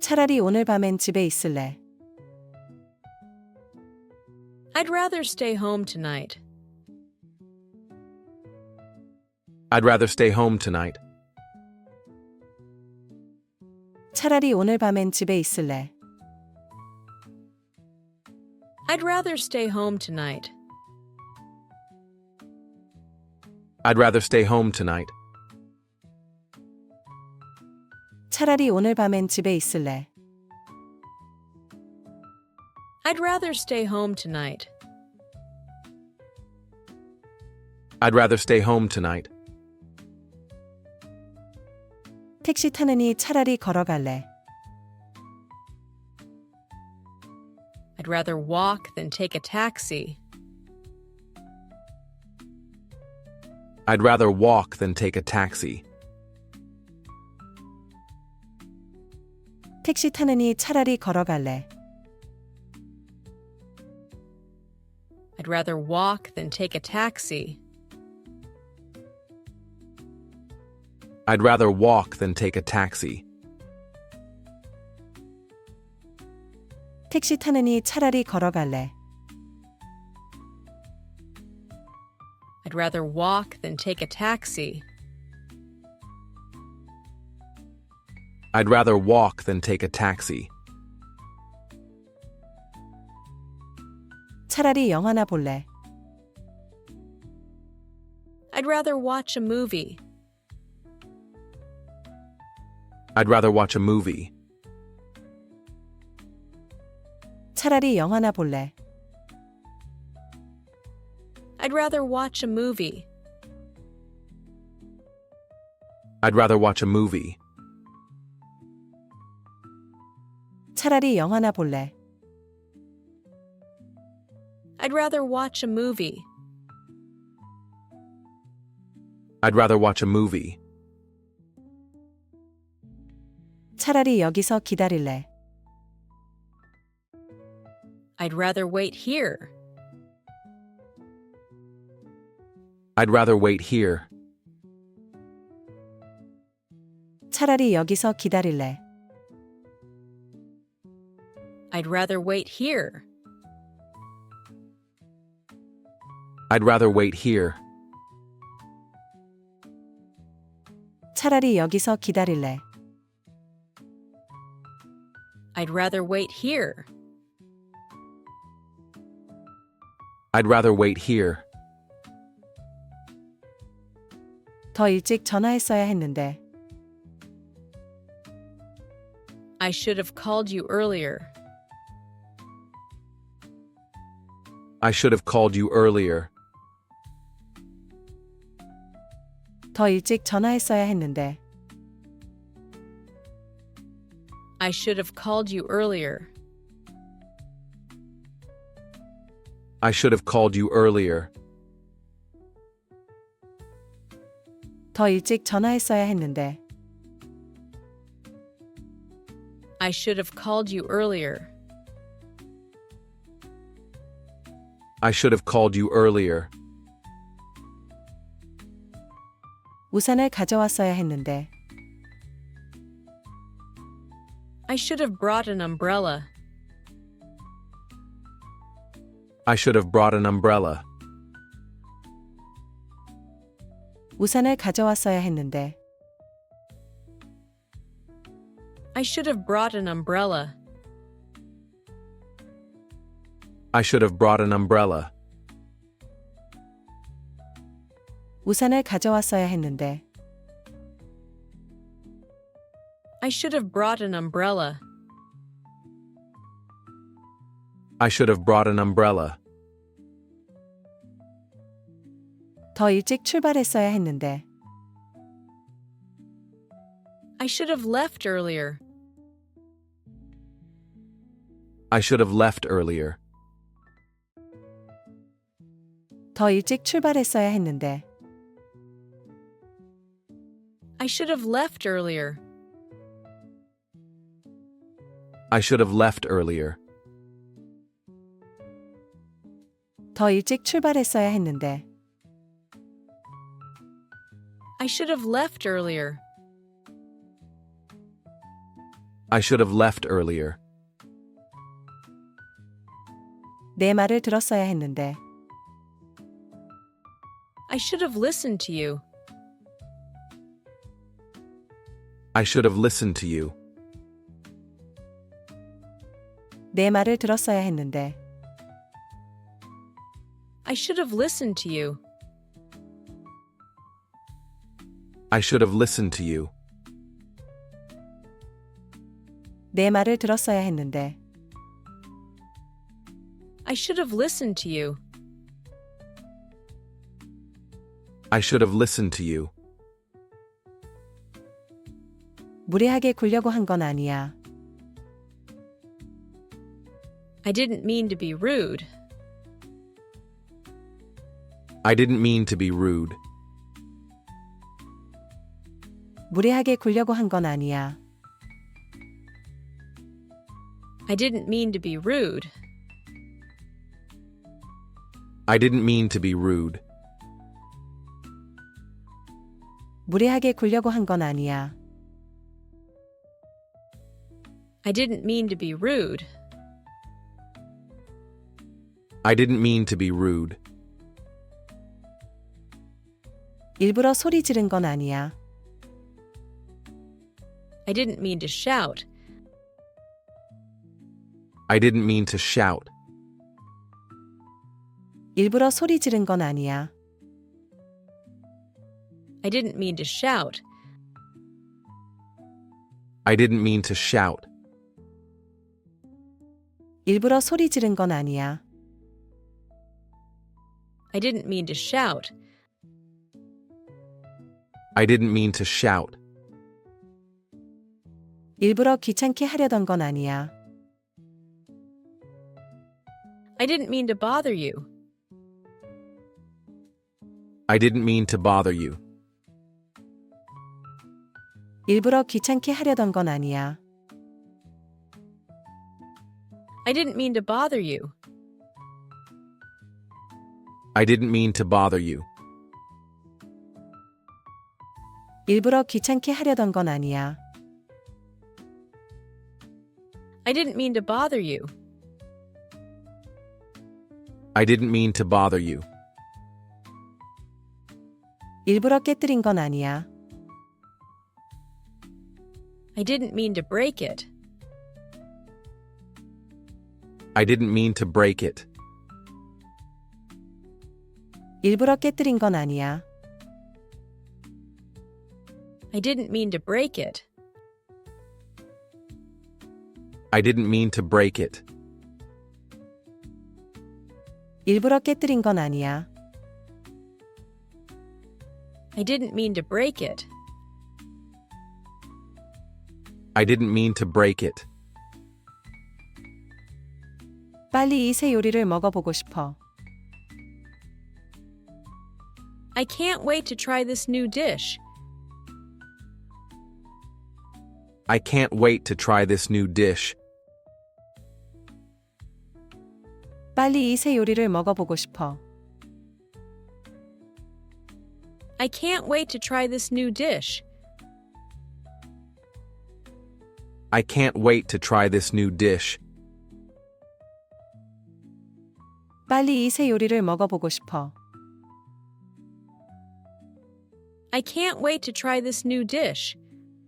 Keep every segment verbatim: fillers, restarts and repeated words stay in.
차라리 오늘 밤엔 집에 있을래. I'd rather stay home tonight. I'd rather stay home tonight. 차라리 오늘 밤엔 집에 있을래. I'd rather stay home tonight. I'd rather stay home tonight. 차라리 오늘 밤엔 집에 있을래. I'd rather stay home tonight. I'd rather stay home tonight. 택시 타느니 차라리 걸어갈래. I'd rather walk than take a taxi. I'd rather walk than take a taxi. 택시 타느니 차라리 걸어갈래. I'd rather walk than take a taxi. I'd rather walk than take a taxi. 택시 타느니 차라리 걸어갈래. I'd rather walk than take a taxi. I'd rather walk than take a taxi. 차라리 영화나 볼래. I'd rather watch a movie. I'd rather watch a movie. 차라리 영화나 볼래. I'd rather watch a movie. I'd rather watch a movie. 차라리 영화나 볼래. I'd rather watch a movie. I'd rather watch a movie. 차라리 여기서 기다릴래. I'd rather wait here. I'd rather wait here. 차라리 여기서 기다릴래. I'd rather wait here. I'd rather wait here. 차라리 여기서 기다릴래. I'd rather wait here. I'd rather wait here. 더 일찍 전화했어야 했는데. I should have called you earlier. I should have called you earlier. 더 일찍 전화했어야 했는데. I should have called you earlier. I should have called you earlier. 더 일찍 전화했어야 했는데. I should have called you earlier. I should have called you earlier. 우산을 가져왔어야 했는데. I should have brought an umbrella. I should have brought an umbrella. 우산을 가져왔어야 했는데. I should have brought an umbrella. I should have brought an umbrella. 우산을 가져왔어야 했는데. I should have brought an umbrella. I should have brought an umbrella. 더 일찍 출발했어야 했는데. I should have left earlier. I should have left earlier. 더 일찍 출발했어야 했는데. I should have left earlier. I should have left earlier. 더 일찍 출발했어야 했는데. I should have left earlier. I should have left earlier. 내 말을 들었어야 했는데. I should have listened to you. I should have listened to you. 내 말을 들었어야 했는데. I should have listened to you. I should have listened to you. 내 말을 들었어야 했는데. I should have listened to you. I should have listened to you. 무례하게 굴려고 한 건 아니야. I didn't mean to be rude. I didn't mean to be rude. 무례하게 굴려고 한 건 아니야. I didn't mean to be rude. I didn't mean to be rude. 무례하게 굴려고 한 건 아니야. I didn't mean to be rude. I didn't mean to be rude. 일부러 소리 지른 건 아니야. I didn't mean to shout. I didn't mean to shout. 일부러 소리 지른 건 아니야. I didn't mean to shout. I didn't mean to shout. 일부러 소리 지른 건 아니야. I didn't mean to shout. I didn't mean to shout. 일부러 귀찮게 하려던 건 아니야. I didn't mean to bother you. I didn't mean to bother you. 일부러 귀찮게 하려던 건 아니야. I didn't mean to bother you. I didn't mean to bother you. 일부러 귀찮게 하려던 건 아니야. I didn't mean to bother you. I didn't mean to bother you. 일부러 깨뜨린 건 아니야. I didn't mean to break it. I didn't mean to break it. 일부러 깨뜨린 건 아니야. I didn't mean to break it. I didn't mean to break it. 일부러 깨뜨린 건 아니야. I didn't mean to break it. I didn't mean to break it. 빨리 이 새 요리를 먹어보고 싶어. I can't wait to try this new dish. I can't wait to try this new dish. 빨리 이 새 요리를 먹어보고 싶어. I can't wait to try this new dish. I can't wait to try this new dish. 빨리 이 새 요리를 먹어보고 싶어. I can't wait to try this new dish.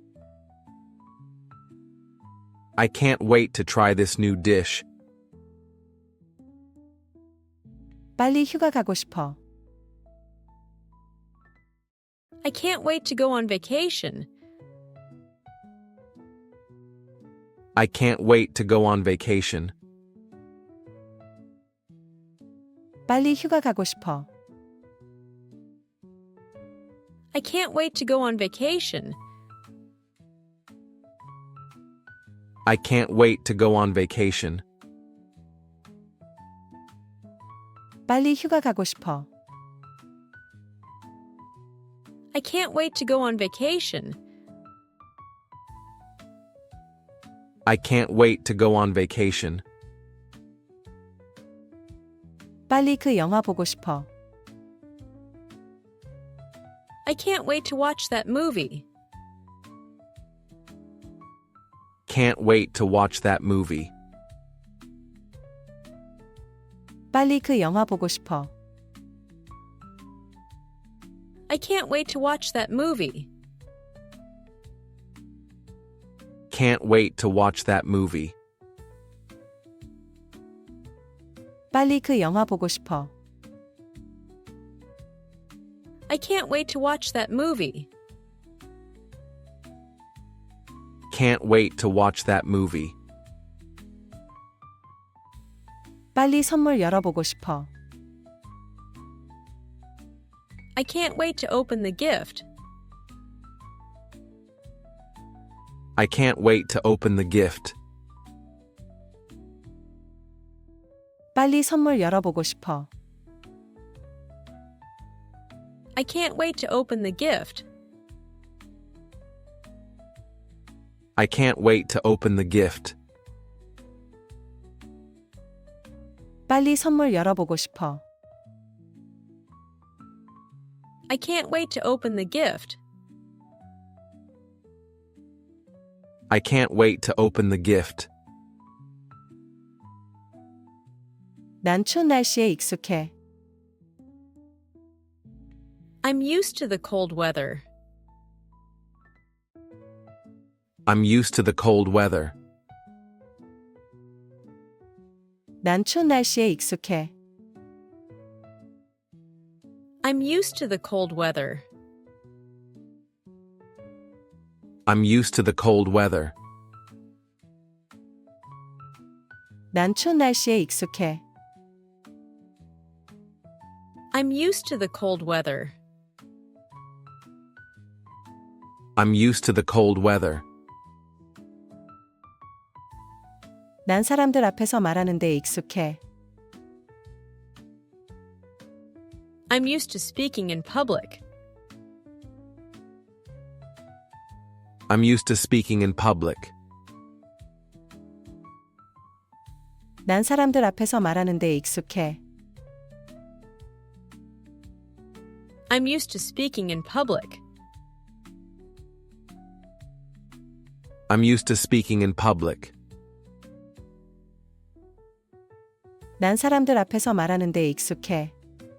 I can't wait to try this new dish. 빨리 휴가 가고 싶어. I can't wait to go on vacation. I can't wait to go on vacation. 빨리 휴가 가고 싶어. I can't wait to go on vacation. I can't wait to go on vacation. 빨리 휴가 가고 싶어. I can't wait to go on vacation. I can't wait to go on vacation. 빨리 그 영화 보고 싶어. I can't wait to watch that movie. Can't wait to watch that movie. 빨리 그 영화 보고 싶어. I can't wait to watch that movie. Can't wait to watch that movie. 빨리 그 영화 보고 싶어. I can't wait to watch that movie. Can't wait to watch that movie. 빨리 선물 열어보고 싶어. I can't wait to open the gift. I can't wait to open the gift. 빨리 선물 열어보고 싶어. I can't wait to open the gift. I can't wait to open the gift. 빨리 선물 열어보고 싶어. I can't wait to open the gift. I can't wait to open the gift. 난 추운 날씨에 익숙해. I'm used to the cold weather. I'm used to the cold weather. 난 추운 날씨에 익숙해. I'm used to the cold weather. I'm used to the cold weather. 난 추운 날씨에 익숙해. I'm used to the cold weather. I'm used to the cold weather. 난 사람들 앞에서 말하는 데 익숙해. I'm used to speaking in public. I'm used to speaking in public. 난 사람들 앞에서 말하는 데 익숙해. I'm used to speaking in public. I'm used to speaking in public. 난 사람들 앞에서 말하는 데 익숙해.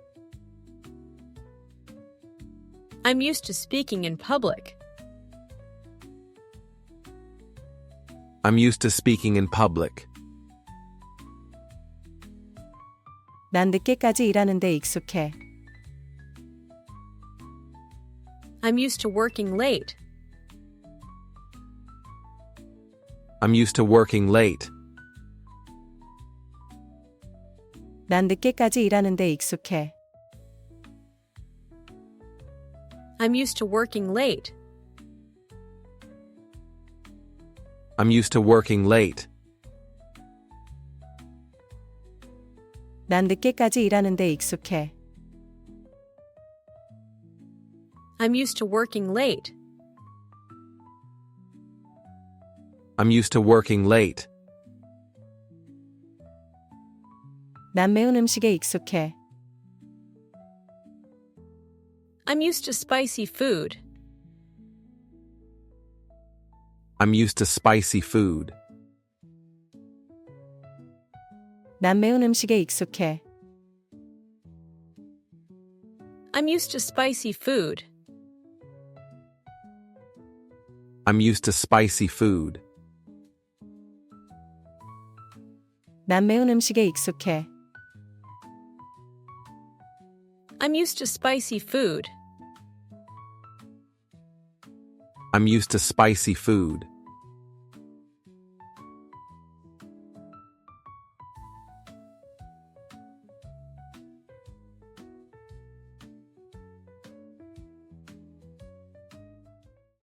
I'm used to speaking in public. I'm used to speaking in public. 난 늦게까지 일하는 데 익숙해. I'm used to working late. I'm used to working late. 난 늦게까지 일하는 데 익숙해. I'm used to working late. I'm used to working late. 난 늦게까지 일하는 데 익숙해. I'm used to working late. I'm used to working late. 난 매운 음식에 익숙해. I'm used to spicy food. I'm used to spicy food. 난 매운 음식에 익숙해. I'm used to spicy food. I'm used to spicy food. 난 매운 음식에 익숙해. I'm used to spicy food. I'm used to spicy food.